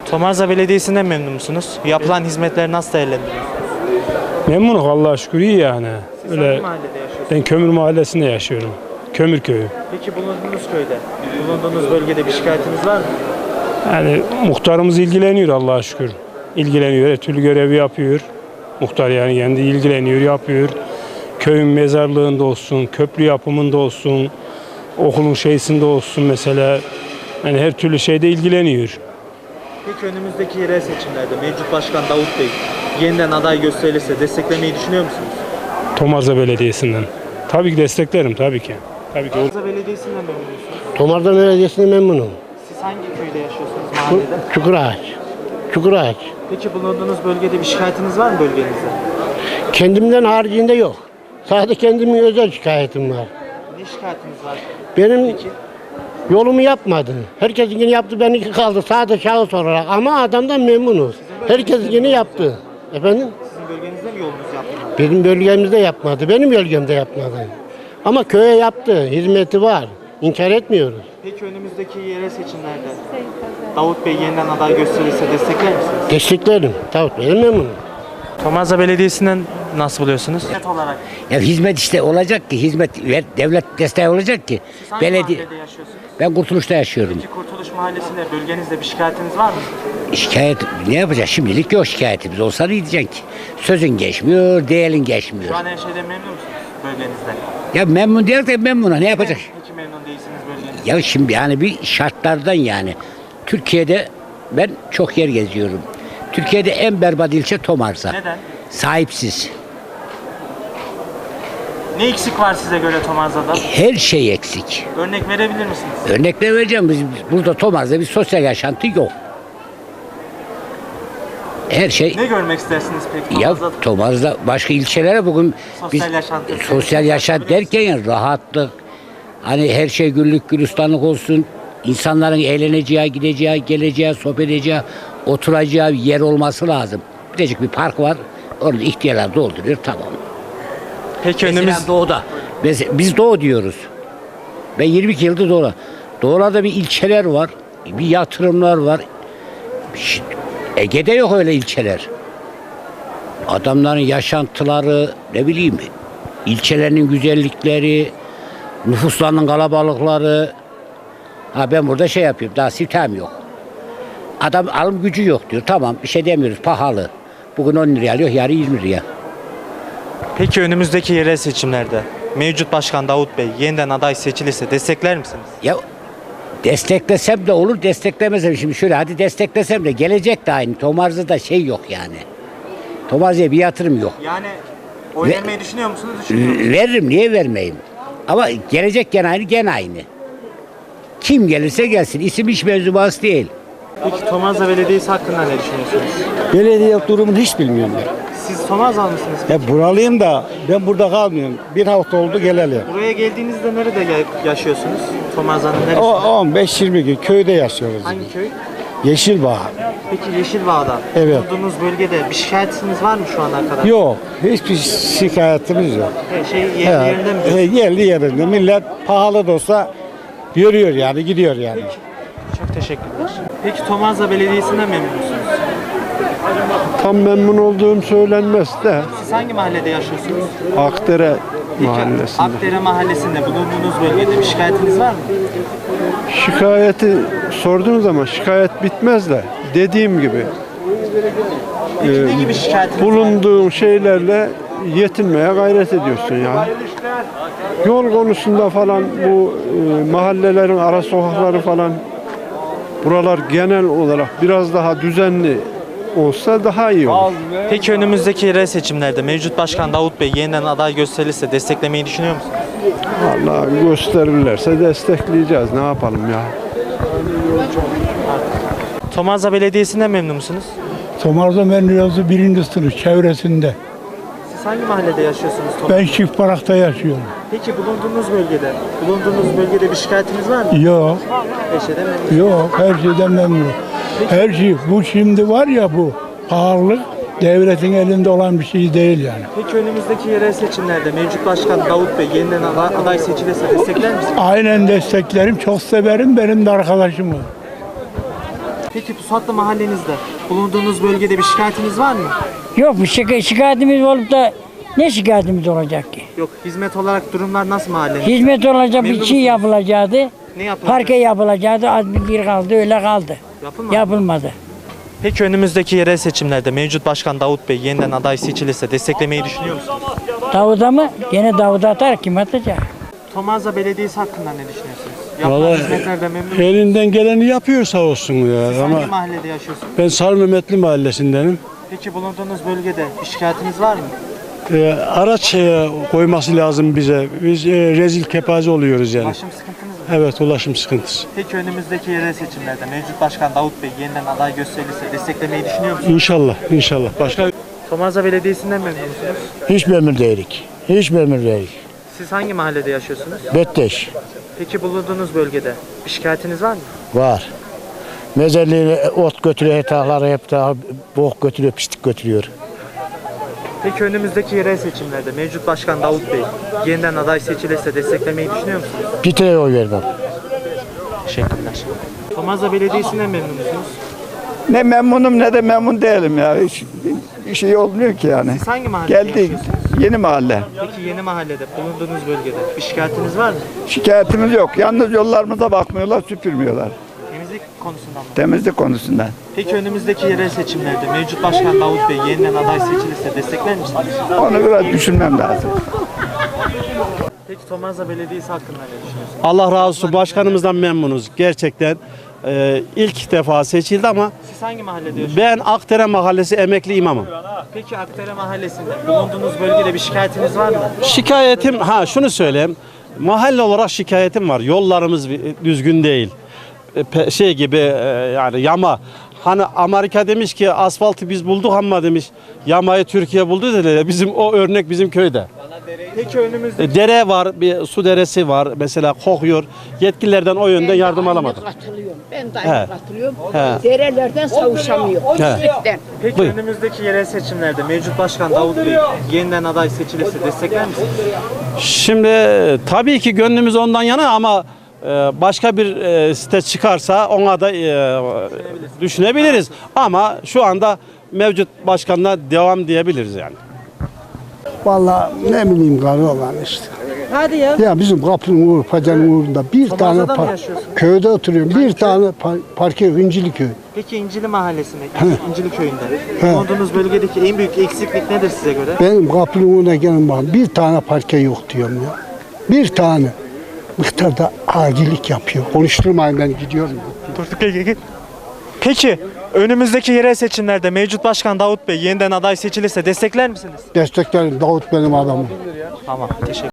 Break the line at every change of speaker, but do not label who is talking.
Tomarza Belediyesi'nden memnun musunuz? Yapılan hizmetleri nasıl değerlendiriyorsunuz?
Memnunum Allah'a şükür, iyi yani.
Siz
Öyle,
hangi mahallede yaşıyorsunuz?
ben Kömür Mahallesi'nde yaşıyorum. Kömür köyü.
Peki bulunduğunuz köyde, bulunduğunuz bölgede bir şikayetiniz var mı?
Yani muhtarımız ilgileniyor Allah'a şükür. İlgileniyor, her türlü görevi yapıyor. Muhtar yani kendi ilgileniyor, yapıyor. Köyün mezarlığında olsun, köprü yapımında olsun, okulun şeysinde olsun mesela. Yani her türlü şeyde ilgileniyor.
Peki önümüzdeki yerel seçimlerde mevcut başkan Davut Bey yeniden aday gösterilirse desteklemeyi düşünüyor musunuz?
Tomarza Belediyesi'nden. Tabii ki desteklerim, tabii ki. Tabii ki.
Tomarza Belediyesi'nden memnun musunuz?
Tomarza Belediyesi'ne memnunum.
Siz hangi köyde yaşıyorsunuz mahallede?
Çukurağaç. Çukurağaç.
Peki bulunduğunuz bölgede bir şikayetiniz var mı bölgenizde?
Kendimden haricinde yok. Sadece kendimin özel şikayetim var.
Ne şikayetiniz var?
Benim
Peki
yolumu yapmadı. Herkesinkini yaptı, benimki kaldı. Sadece şahıs olarak. Ama adamdan memnunuz. Herkesinkini yaptı. Efendim?
sizin bölgenizde mi yolunuz yaptınız?
Benim bölgemizde yapmadı. Benim bölgemde yapmadı. Ama köye yaptı. Hizmeti var. İnkar etmiyoruz.
Peki önümüzdeki yerel seçimlerde Davut Bey yeniden aday gösterilirse destekler misiniz?
Desteklerim. Tabii benim memnunum.
Tomarza Belediyesi'nden nasıl buluyorsunuz? Net olarak.
Ya hizmet işte olacak ki, devlet desteği olacak ki.
Siz hangi mahallede yaşıyorsunuz?
Ben Kurtuluş'ta yaşıyorum.
Peki Kurtuluş Mahallesi'nde bölgenizde bir şikayetiniz var mı?
Şikayet ne yapacağız? Şimdilik yok, şikayetimiz olsa ne diyeceksin ki? Sözün geçmiyor, değerin geçmiyor.
Şu an her şeyden memnun musunuz bölgenizde?
Ya memnun değil de memnuna ne yapacak?
Peki memnun değilsiniz bölgenizde.
Ya şimdi yani bir şartlardan yani. Türkiye'de ben çok yer geziyorum. Türkiye'de en berbat ilçe Tomarza.
Neden?
Sahipsiz.
Ne eksik var size göre Tomarza'da?
Her şey eksik.
Örnek verebilir misiniz?
Örnekler vereceğim. Biz burada Tomarza'da bir sosyal yaşantı yok. Her şey.
Ne görmek istersiniz peki
Ya
Tomarza'da?
Tomarza başka ilçelere bugün
Sosyal yaşantı.
sosyal yaşam derken yani rahatlık, hani her şey güllük gülistanlık olsun, insanların eğleneceği, gideceği, geleceği, sohbet edeceği, oturacağı bir yer olması lazım. Birazcık bir park var, orada ihtiyarlar dolduruyor, tamam.
Peki
Mesela
önümüz
doğuda, biz doğu diyoruz. Ben 22 yıldır doğuda. Doğularda bir ilçeler var, bir yatırımlar var. Ege'de yok öyle ilçeler. Adamların yaşantıları, ne bileyim, ilçelerinin güzellikleri, nüfuslarının kalabalıkları. Ha ben burada şey yapıyorum, daha sitem yok. Adam alım gücü yok diyor, tamam bir şey demiyoruz, pahalı. Bugün 10 liraya alıyor, yarın 20 liraya.
Peki önümüzdeki yerel seçimlerde mevcut başkan Davut Bey yeniden aday seçilirse destekler misiniz?
Ya desteklesem de olur, desteklemesem şimdi şöyle hadi desteklesem de gelecek de aynı. Tomarza'da şey yok yani. Tomarza'ya bir yatırım yok.
Yani oy
Ve-
vermeyi düşünüyor musunuz? Düşünüyor musunuz?
Veririm, niye vermeyeyim? Ama gelecek gene aynı, gene aynı. Kim gelirse gelsin, isim hiç mevzubası değil.
Peki Tomarza Belediyesi hakkında ne düşünüyorsunuz?
Belediye durumunu hiç bilmiyorum ben.
Siz Tomarzalı mısınız?
Ya buralıyım da ben burada kalmıyorum. Bir hafta oldu geleli.
Buraya geldiğinizde nerede yaşıyorsunuz? Tomarza'nın neresi?
O 15-20 gün köyde yaşıyoruz.
Hangi köy?
Yeşilbağ.
Peki Yeşilbağ'da.
Evet.
Bulunduğunuz bölgede bir şikayetiniz var mı şu ana kadar?
Yok. Hiçbir şikayetimiz yok.
Her şey yerli
He,
yerinde mi?
yerli yerinde. Millet pahalı da olsa yürüyor yani, gidiyor yani.
Çok teşekkürler. Peki Tomarza Belediyesi'nden memnun musunuz?
Tam memnun olduğum söylenmez de
Siz hangi mahallede yaşıyorsunuz?
Akdere
Peki,
mahallesinde.
Akdere Mahallesi'nde bulunduğunuz bölgede bir şikayetiniz var mı?
Şikayeti sorduğunuz zaman şikayet bitmez de dediğim gibi
Peki ne gibi şikayetiniz var?
bulunduğun şeylerle yetinmeye gayret ediyorsun yani. Yol konusunda falan bu mahallelerin ara sokakları falan buralar genel olarak biraz daha düzenli olsa daha iyi olur.
Peki önümüzdeki yerel seçimlerde mevcut başkan Davut Bey yeniden aday gösterilirse desteklemeyi düşünüyor musunuz?
Vallahi gösterirlerse destekleyeceğiz. Ne yapalım ya?
Tomarza Belediyesi'nden memnun musunuz?
Tomarza Menliyazı 1. sınıf çevresinde.
Siz hangi mahallede yaşıyorsunuz?
Ben Çiftbarak'ta yaşıyorum.
Peki bulunduğunuz bölgede bir şikayetiniz var mı?
Yok,
Her şeyden memnunum.
yok her şeyden memnunum. Her şey, bu şimdi var ya bu pahalılık devletin elinde olan bir şey değil yani.
Peki önümüzdeki yerel seçimlerde mevcut başkan Davut Bey yeniden aday seçilirse destekler misiniz?
Aynen desteklerim, çok severim, benim de arkadaşım var.
Peki Pusatlı mahallenizde bulunduğunuz bölgede bir şikayetiniz var mı?
Yok bir şikayetimiz olup da ne şikayetimiz olacak ki?
Yok. Hizmet olarak durumlar nasıl mahallenizde?
Hizmet olacak bir
Memnun
şey
musunuz?
yapılacaktı.
Ne yapılacak?
Parke yapılacaktı. Az bir kaldı öyle kaldı.
Yapılmadı.
Yapılmadı.
Peki önümüzdeki yerel seçimlerde mevcut başkan Davut Bey yeniden aday seçilirse desteklemeyi düşünüyor musunuz?
Davud'a mı? Gene Davud'a atar kim atacak?
Tomarza Belediyesi hakkında ne düşünüyorsunuz? Yapılan
Vallahi
hizmetlerden memnun musunuz?
elinden geleni yapıyor sağ olsun ya.
Siz
Ama
hangi mahallede yaşıyorsunuz?
ben Sarı Mehmetli mahallesindenim.
Peki bulunduğunuz bölgede bir şikayetiniz var mı?
Araç koyması lazım bize. Biz rezil kepaze oluyoruz yani.
Ulaşım sıkıntınız mı?
Evet, ulaşım sıkıntısı.
Peki önümüzdeki yerel seçimlerde mevcut başkan Davut Bey yeniden aday gösterilirse desteklemeyi düşünüyor musunuz?
İnşallah, inşallah. Başka
Tomarza Belediyesi'nden memnun musunuz?
Hiç memnun değilik. Hiç memnun değilik.
Siz hangi mahallede yaşıyorsunuz?
Betteş
Peki bulunduğunuz bölgede bir şikayetiniz var mı?
var. Mezarlığına ot götürüyor, etahları hep daha bok götürüyor, pislik götürüyor.
Peki önümüzdeki yerel seçimlerde mevcut başkan Davut Bey yeniden aday seçilirse desteklemeyi düşünüyor musunuz?
Bir tane oy vermem.
Teşekkürler. Tomarza Belediyesi'nden memnun musunuz?
Ne memnunum ne de memnun değilim ya. Hiç bir şey olmuyor ki yani.
Siz hangi mahallede
Geldik.
yaşıyorsunuz?
Yeni mahalle.
Peki yeni mahallede bulunduğunuz bölgede bir şikayetiniz var mı?
Şikayetimiz yok. Yalnız yollarımıza bakmıyorlar, süpürmüyorlar.
Temizlik konusunda mı?
Temizlik konusunda.
Peki önümüzdeki yerel seçimlerde mevcut başkan Davut Bey yeniden aday seçilirse destekler misiniz?
Onu biraz düşünmem lazım.
Peki Tomarza Belediyesi hakkında ne düşünüyorsunuz?
Allah razı olsun, başkanımızdan memnunuz. Gerçekten ilk defa seçildi ama
Siz hangi mahallede yaşıyorsunuz?
ben Akdere Mahallesi emekli imamım.
Peki Akdere Mahallesi'nde bulunduğunuz bölgede bir şikayetiniz var mı?
Şikayetim, şunu söyleyeyim. Mahalle olarak şikayetim var. Yollarımız düzgün değil. Şey gibi yani yama. Hani Amerika demiş ki asfaltı biz bulduk ama demiş yamayı Türkiye buldu dediler. Bizim o örnek bizim köyde.
Peki önümüzde
Dere var, bir su deresi var. Mesela kokuyor. Yetkililerden o yönden yardım alamadık.
Ben de
He.
aynı katılıyorum.
He.
Derelerden savuşamıyor. Pislikten.
Peki
Buyurun.
önümüzdeki yerel seçimlerde mevcut başkan Davut Bey yeniden aday seçilirse destekler misiniz?
Şimdi tabii ki gönlümüz ondan yana ama başka bir site çıkarsa ona da düşünebiliriz. Ama şu anda mevcut başkanla devam diyebiliriz yani.
Vallahi ne bileyim gari olan işte.
Hadi ya.
Ya bizim kapının uğru, pacanın uğrunda bir tane
Tomarza'da mı yaşıyorsun?
köyde oturuyorum. Bir tane parke İncili köy.
Peki İncili Mahallesi'nde, İncili Köyü'nde bulunduğunuz bölgedeki en büyük eksiklik nedir size göre?
Benim kapının uğruna gelin bakın. Bir tane parke yok diyorum ya. Bir tane. Muhtar da acilik yapıyor. Konuşturmayın ben gidiyorum.
Peki önümüzdeki yerel seçimlerde mevcut başkan Davut Bey yeniden aday seçilirse destekler misiniz?
Desteklerim Davut benim adamım.
Tamam, teşekkür